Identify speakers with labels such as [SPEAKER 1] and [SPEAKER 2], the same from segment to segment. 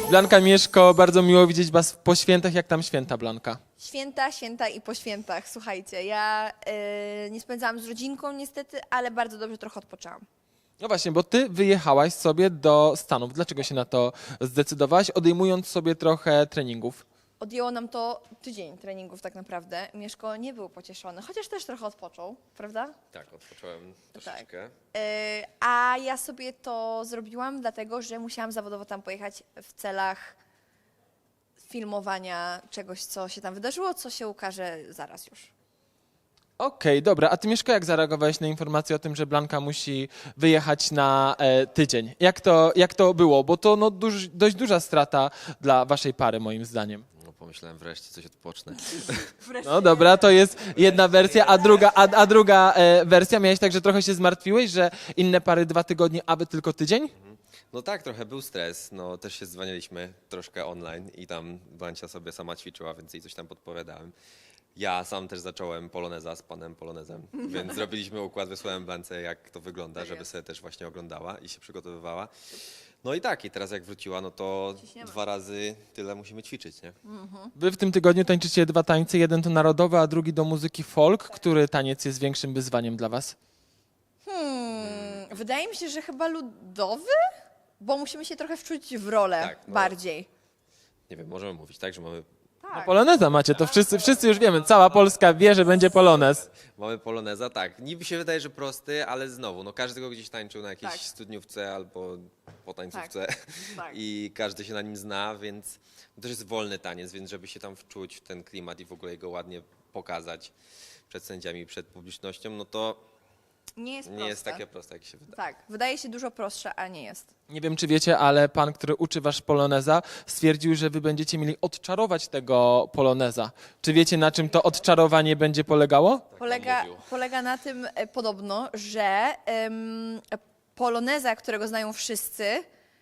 [SPEAKER 1] Blanka, Mieszko, bardzo miło widzieć was po świętach. Jak tam święta, Blanka?
[SPEAKER 2] Święta i po świętach. Słuchajcie, ja nie spędzałam z rodzinką niestety, ale bardzo dobrze trochę odpoczęłam.
[SPEAKER 1] No właśnie, bo ty wyjechałaś sobie do Stanów. Dlaczego się na to zdecydowałaś, odejmując sobie trochę treningów?
[SPEAKER 2] Odjęło nam to tydzień treningów tak naprawdę. Mieszko nie był pocieszony, chociaż też trochę odpoczął, prawda?
[SPEAKER 3] Tak, odpocząłem troszeczkę.
[SPEAKER 2] A ja sobie to zrobiłam dlatego, że musiałam zawodowo tam pojechać w celach filmowania czegoś, co się tam wydarzyło, co się ukaże zaraz już.
[SPEAKER 1] Okej, dobra. A ty, Mieszko, jak zareagowałeś na informację o tym, że Blanka musi wyjechać na tydzień? Jak to było? Bo to no, dość duża strata dla waszej pary, moim zdaniem.
[SPEAKER 3] No pomyślałem, wreszcie coś odpocznę.
[SPEAKER 1] No dobra, to jest jedna wersja, a druga wersja. Miałeś tak, że trochę się zmartwiłeś, że inne pary 2 tygodnie, a wy tylko tydzień?
[SPEAKER 3] No tak, trochę był stres. No też się dzwoniliśmy troszkę online i tam Blancia sobie sama ćwiczyła, więc jej coś tam podpowiadałem. Ja sam też zacząłem poloneza z panem polonezem, więc zrobiliśmy układ, wysłałem Blance, jak to wygląda, żeby sobie też właśnie oglądała i się przygotowywała. No i tak, i teraz jak wróciła, no to
[SPEAKER 2] Ciśniemy.
[SPEAKER 3] 2 razy tyle musimy ćwiczyć, nie?
[SPEAKER 1] Wy w tym tygodniu tańczycie 2 tańce, jeden to narodowy, a drugi do muzyki folk. Który taniec jest większym wyzwaniem dla was?
[SPEAKER 2] Wydaje mi się, że chyba ludowy, bo musimy się trochę wczuć w rolę
[SPEAKER 3] Tak, no.
[SPEAKER 2] bardziej.
[SPEAKER 3] Nie wiem, możemy mówić tak, że mamy
[SPEAKER 2] Tak.
[SPEAKER 1] Poloneza macie, to wszyscy już wiemy. Cała Polska wie, że będzie polonez.
[SPEAKER 3] Mamy poloneza, tak. Niby się wydaje, że prosty, ale znowu, no każdy go gdzieś tańczył na jakiejś
[SPEAKER 2] Tak.
[SPEAKER 3] studniówce albo po tańcówce
[SPEAKER 2] Tak.
[SPEAKER 3] i każdy się na nim zna, więc to też jest wolny taniec, więc żeby się tam wczuć w ten klimat i w ogóle go ładnie pokazać przed sędziami, przed publicznością, no to
[SPEAKER 2] Nie jest
[SPEAKER 3] nie
[SPEAKER 2] proste.
[SPEAKER 3] jest takie proste, jak się wydaje.
[SPEAKER 2] Tak, wydaje się dużo prostsze, a nie jest.
[SPEAKER 1] Nie wiem, czy wiecie, ale pan, który uczy wasz poloneza, stwierdził, że wy będziecie mieli odczarować tego poloneza. Czy wiecie, na czym to odczarowanie będzie polegało?
[SPEAKER 3] mówił.
[SPEAKER 2] Polega na tym podobno, że poloneza, którego znają wszyscy,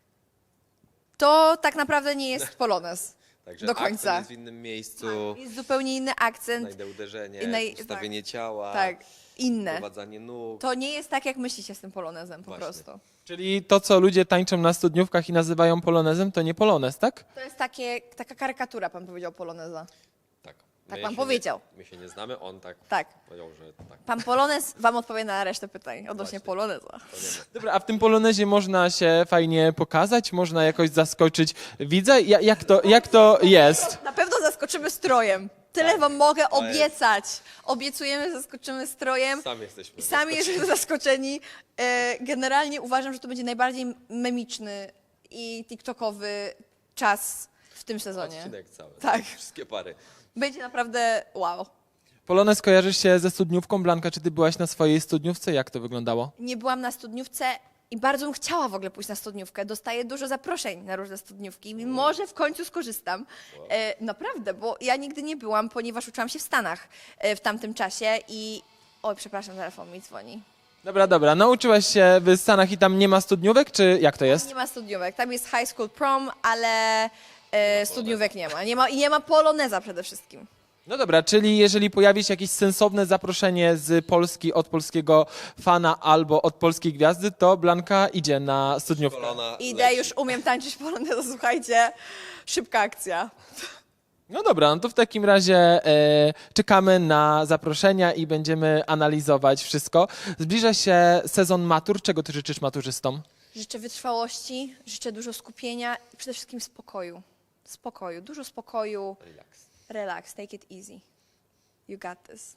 [SPEAKER 2] to tak naprawdę nie jest polonez.
[SPEAKER 3] Także
[SPEAKER 2] do końca.
[SPEAKER 3] akcent jest w innym miejscu,
[SPEAKER 2] Jest zupełnie inny akcent.
[SPEAKER 3] znajdę uderzenie,
[SPEAKER 2] Innej-
[SPEAKER 3] ustawienie ciała,
[SPEAKER 2] Tak, inne.
[SPEAKER 3] prowadzanie nóg.
[SPEAKER 2] To nie jest tak, jak myślicie z tym polonezem po
[SPEAKER 3] Właśnie.
[SPEAKER 2] prostu.
[SPEAKER 1] Czyli to, co ludzie tańczą na studniówkach i nazywają polonezem, to nie polonez, tak?
[SPEAKER 2] To jest taka karykatura, pan powiedział, poloneza.
[SPEAKER 3] Tak,
[SPEAKER 2] Tak
[SPEAKER 3] My
[SPEAKER 2] pan
[SPEAKER 3] się
[SPEAKER 2] powiedział.
[SPEAKER 3] My się nie znamy, on tak
[SPEAKER 2] Tak.
[SPEAKER 3] powiedział, że tak.
[SPEAKER 2] Pan polonez wam odpowie na resztę pytań odnośnie
[SPEAKER 3] Właśnie.
[SPEAKER 2] poloneza.
[SPEAKER 3] To nie my.
[SPEAKER 1] Dobra, a w tym polonezie można się fajnie pokazać? Można jakoś zaskoczyć widza? Jak to jest?
[SPEAKER 2] Na pewno zaskoczymy strojem. Tyle wam mogę
[SPEAKER 3] To jest-
[SPEAKER 2] obiecać. Obiecujemy, zaskoczymy strojem.
[SPEAKER 3] Sami jesteśmy.
[SPEAKER 2] I sami jesteśmy zaskoczeni. Generalnie uważam, że to będzie najbardziej memiczny i tiktokowy czas w tym sezonie.
[SPEAKER 3] Odcinek cały.
[SPEAKER 2] Tak.
[SPEAKER 3] Wszystkie pary.
[SPEAKER 2] Będzie naprawdę wow.
[SPEAKER 1] Polonez kojarzysz się ze studniówką. Blanka, czy ty byłaś na swojej studniówce? Jak to wyglądało?
[SPEAKER 2] Nie byłam na studniówce i bardzo bym chciała w ogóle pójść na studniówkę. Dostaję dużo zaproszeń na różne studniówki. Może w końcu skorzystam. Naprawdę, bo ja nigdy nie byłam, ponieważ uczyłam się w Stanach w tamtym czasie i... Oj, przepraszam, telefon mi dzwoni.
[SPEAKER 1] Dobra. Nauczyłaś się w Stanach i tam nie ma studniówek, czy jak to jest?
[SPEAKER 2] Nie ma studniówek. Tam jest high school prom, ale studniówek nie ma. Nie ma poloneza przede wszystkim.
[SPEAKER 1] No dobra, czyli jeżeli pojawi się jakieś sensowne zaproszenie z Polski od polskiego fana albo od polskiej gwiazdy, to Blanka idzie na studniówkę.
[SPEAKER 3] Kolona
[SPEAKER 2] Idę,
[SPEAKER 3] leci.
[SPEAKER 2] już umiem tańczyć poloneza, słuchajcie. Szybka akcja.
[SPEAKER 1] No dobra, no to w takim razie czekamy na zaproszenia i będziemy analizować wszystko. Zbliża się sezon matur. Czego ty życzysz maturzystom?
[SPEAKER 2] Życzę wytrwałości, życzę dużo skupienia i przede wszystkim spokoju. Spokoju, dużo spokoju. Relax, take it easy. You got this.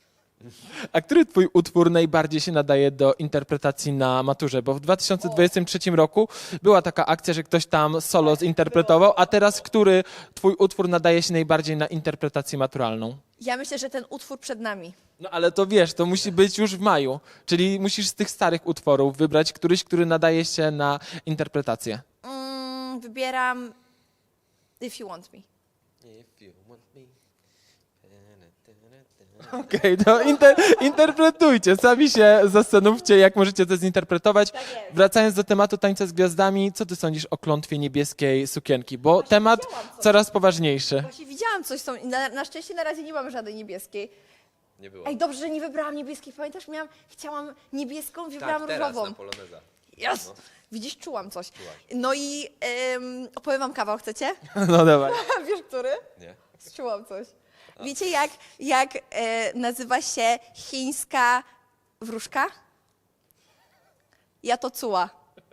[SPEAKER 1] A który twój utwór najbardziej się nadaje do interpretacji na maturze? Bo w 2023 roku była taka akcja, że ktoś tam solo zinterpretował, a teraz który twój utwór nadaje się najbardziej na interpretację maturalną?
[SPEAKER 2] Ja myślę, że ten utwór przed nami.
[SPEAKER 1] No ale to wiesz, to musi być już w maju, czyli musisz z tych starych utworów wybrać któryś, który nadaje się na interpretację.
[SPEAKER 2] Wybieram If You Want Me.
[SPEAKER 3] If you want me.
[SPEAKER 1] Okej, to interpretujcie, sami się zastanówcie, jak możecie to zinterpretować.
[SPEAKER 2] Tak jest.
[SPEAKER 1] Wracając do tematu tańca z gwiazdami, co ty sądzisz o klątwie niebieskiej sukienki? Bo temat
[SPEAKER 2] widziałam coś.
[SPEAKER 1] coraz poważniejszy.
[SPEAKER 2] Właśnie widziałam coś, na szczęście na razie nie mam żadnej niebieskiej.
[SPEAKER 3] Nie było.
[SPEAKER 2] Ej, dobrze, że nie wybrałam niebieskiej. Pamiętasz, chciałam niebieską, wybrałam
[SPEAKER 3] tak, teraz
[SPEAKER 2] różową.
[SPEAKER 3] na poloneza.
[SPEAKER 2] Yes!
[SPEAKER 3] No.
[SPEAKER 2] Widzisz, czułam coś. No i opowiem wam kawał, chcecie?
[SPEAKER 1] No dawaj.
[SPEAKER 2] Wiesz, który?
[SPEAKER 3] Nie?
[SPEAKER 2] Czułam coś. Wiecie, jak nazywa się chińska wróżka? Ja to czuła.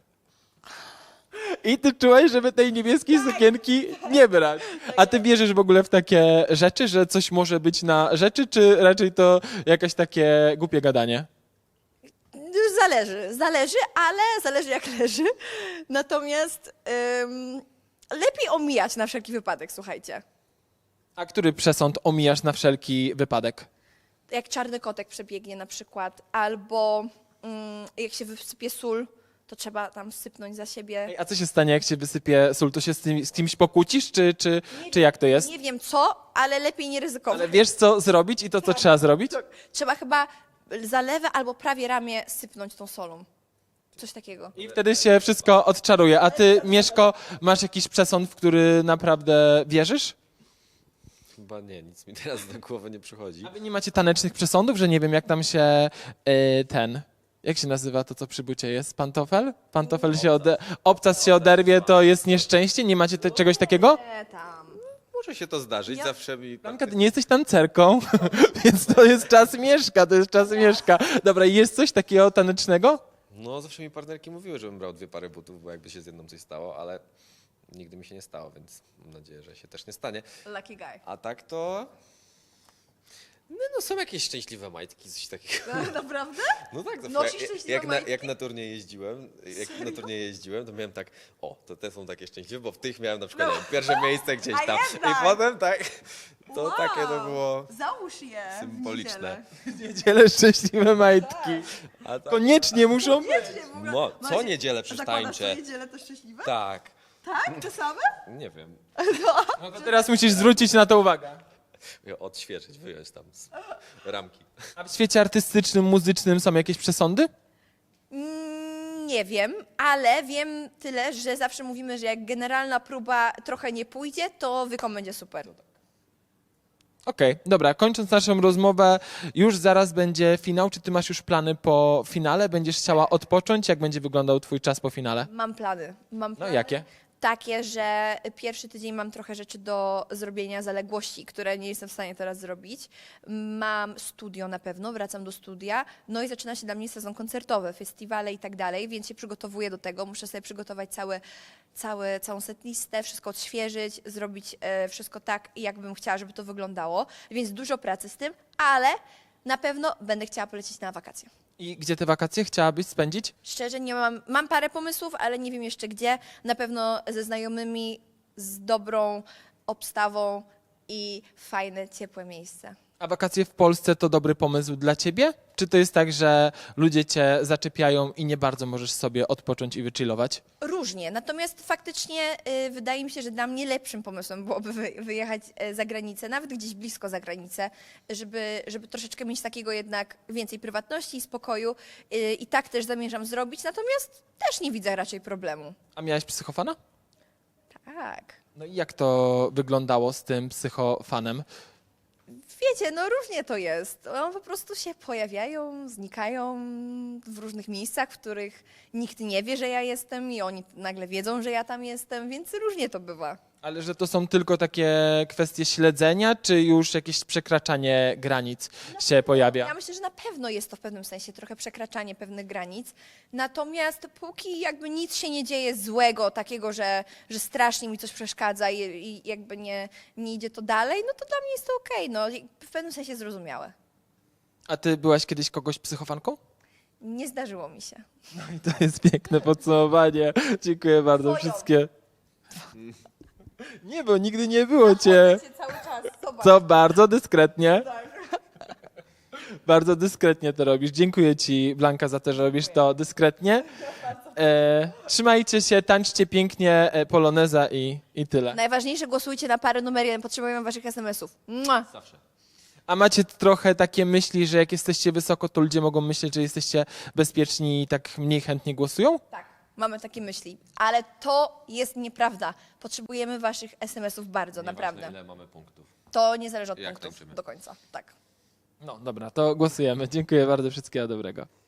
[SPEAKER 1] I ty czułeś, żeby tej niebieskiej sukienki nie brać. A ty wierzysz w ogóle w takie rzeczy, że coś może być na rzeczy, czy raczej to jakieś takie głupie gadanie?
[SPEAKER 2] Zależy, ale zależy jak leży. Natomiast lepiej omijać na wszelki wypadek, słuchajcie.
[SPEAKER 1] A który przesąd omijasz na wszelki wypadek?
[SPEAKER 2] Jak czarny kotek przebiegnie na przykład, albo jak się wysypie sól, to trzeba tam sypnąć za siebie.
[SPEAKER 1] Ej, a co się stanie, jak się wysypie sól? To się z kimś pokłócisz, czy jak to jest?
[SPEAKER 2] Nie wiem co, ale lepiej nie ryzykować.
[SPEAKER 1] Ale wiesz, co zrobić i to, co trzeba zrobić?
[SPEAKER 2] Trzeba chyba za lewe albo prawie ramię sypnąć tą solą. Coś takiego.
[SPEAKER 1] I wtedy się wszystko odczaruje. A ty, Mieszko, masz jakiś przesąd, w który naprawdę wierzysz?
[SPEAKER 3] Chyba nie, nic mi teraz do głowy nie przychodzi.
[SPEAKER 1] A wy nie macie tanecznych przesądów, że nie wiem, jak tam się jak się nazywa to, co przy bucie jest? Pantofel? Pantofel się obcas się oderwie, to jest nieszczęście? Nie macie czegoś takiego?
[SPEAKER 2] Tam.
[SPEAKER 3] Może się to zdarzyć, zawsze mi...
[SPEAKER 1] Blanka, ty nie jesteś tancerką, więc to jest czas Mieszka, to jest czas Mieszka. Dobra, jest coś takiego tanecznego?
[SPEAKER 3] No, zawsze mi partnerki mówiły, żebym brał 2 pary butów, bo jakby się z jedną coś stało, ale nigdy mi się nie stało, więc mam nadzieję, że się też nie stanie.
[SPEAKER 2] Lucky guy.
[SPEAKER 3] A tak to... No są jakieś szczęśliwe majtki, coś takiego.
[SPEAKER 2] Naprawdę?
[SPEAKER 3] No tak, zawsze
[SPEAKER 2] Nosisz szczęśliwe majtki?
[SPEAKER 3] jak na turniej jeździłem, to miałem tak, to te są takie szczęśliwe, bo w tych miałem na przykład nie wiem, pierwsze miejsce gdzieś
[SPEAKER 2] A
[SPEAKER 3] tam.
[SPEAKER 2] jednak!
[SPEAKER 3] I potem tak, to
[SPEAKER 2] Wow.
[SPEAKER 3] takie to było
[SPEAKER 2] Załóż je. w
[SPEAKER 3] symboliczne.
[SPEAKER 2] niedzielę.
[SPEAKER 1] Niedzielę szczęśliwe majtki.
[SPEAKER 3] A tak,
[SPEAKER 1] Koniecznie muszą być.
[SPEAKER 3] no, co niedzielę przecież
[SPEAKER 2] Zakładasz
[SPEAKER 3] tańczę.
[SPEAKER 2] co niedzielę to szczęśliwe?
[SPEAKER 3] Tak,
[SPEAKER 2] Tak? Te same?
[SPEAKER 3] nie wiem.
[SPEAKER 1] No to teraz musisz zwrócić na to uwagę.
[SPEAKER 3] Odświeżyć, wyjąć tam z ramki.
[SPEAKER 1] A w świecie artystycznym, muzycznym są jakieś przesądy?
[SPEAKER 2] Nie wiem, ale wiem tyle, że zawsze mówimy, że jak generalna próba trochę nie pójdzie, to wykon będzie super.
[SPEAKER 1] Okej, dobra, kończąc naszą rozmowę, już zaraz będzie finał. Czy ty masz już plany po finale? Będziesz chciała odpocząć? Jak będzie wyglądał twój czas po finale?
[SPEAKER 2] Mam plany.
[SPEAKER 1] No jakie?
[SPEAKER 2] Takie, że pierwszy tydzień mam trochę rzeczy do zrobienia, zaległości, które nie jestem w stanie teraz zrobić. Mam studio na pewno, wracam do studia, no i zaczyna się dla mnie sezon koncertowy, festiwale i tak dalej, więc się przygotowuję do tego. Muszę sobie przygotować całą setlistę, wszystko odświeżyć, zrobić wszystko tak, jakbym chciała, żeby to wyglądało, więc dużo pracy z tym, ale na pewno będę chciała polecieć na wakacje.
[SPEAKER 1] I gdzie te wakacje chciałabyś spędzić?
[SPEAKER 2] Szczerze nie mam parę pomysłów, ale nie wiem jeszcze gdzie. Na pewno ze znajomymi, z dobrą obstawą i fajne, ciepłe miejsce.
[SPEAKER 1] A wakacje w Polsce to dobry pomysł dla ciebie? Czy to jest tak, że ludzie cię zaczepiają i nie bardzo możesz sobie odpocząć i wychillować?
[SPEAKER 2] Różnie, natomiast faktycznie wydaje mi się, że dla mnie lepszym pomysłem byłoby wyjechać za granicę, nawet gdzieś blisko za granicę, żeby troszeczkę mieć takiego jednak więcej prywatności i spokoju i tak też zamierzam zrobić, natomiast też nie widzę raczej problemu.
[SPEAKER 1] A miałeś psychofana?
[SPEAKER 2] Tak.
[SPEAKER 1] No i jak to wyglądało z tym psychofanem?
[SPEAKER 2] Wiecie, no różnie to jest. One po prostu się pojawiają, znikają w różnych miejscach, w których nikt nie wie, że ja jestem i oni nagle wiedzą, że ja tam jestem, więc różnie to bywa.
[SPEAKER 1] Ale że to są tylko takie kwestie śledzenia, czy już jakieś przekraczanie granic się pojawia?
[SPEAKER 2] Ja myślę, że na pewno jest to w pewnym sensie trochę przekraczanie pewnych granic, natomiast póki jakby nic się nie dzieje złego, takiego, że strasznie mi coś przeszkadza i jakby nie idzie to dalej, no to dla mnie jest to okej, no w pewnym sensie zrozumiałe.
[SPEAKER 1] A ty byłaś kiedyś kogoś psychofanką?
[SPEAKER 2] Nie zdarzyło mi się.
[SPEAKER 1] No i to jest piękne podsumowanie. Dziękuję bardzo
[SPEAKER 2] Twoją.
[SPEAKER 1] wszystkie. Nie, bo nigdy nie było cię.
[SPEAKER 2] Cały czas, zobacz.
[SPEAKER 1] Co bardzo dyskretnie. Bardzo dyskretnie to robisz. Dziękuję ci, Blanka, za to, że robisz to dyskretnie. Trzymajcie się, tańczcie pięknie poloneza i tyle.
[SPEAKER 2] Najważniejsze, głosujcie na parę numer 1, potrzebujemy waszych SMS-ów. Mua.
[SPEAKER 3] Zawsze.
[SPEAKER 1] A macie trochę takie myśli, że jak jesteście wysoko, to ludzie mogą myśleć, że jesteście bezpieczni i tak mniej chętnie głosują?
[SPEAKER 2] Tak, mamy takie myśli, ale to jest nieprawda. Potrzebujemy waszych SMS-ów bardzo, naprawdę.
[SPEAKER 3] Nieważne, ile mamy punktów.
[SPEAKER 2] To nie zależy od
[SPEAKER 3] Jak
[SPEAKER 2] punktów
[SPEAKER 3] tańczymy.
[SPEAKER 2] do końca. Tak.
[SPEAKER 1] No dobra, to głosujemy. Dziękuję bardzo, wszystkiego dobrego.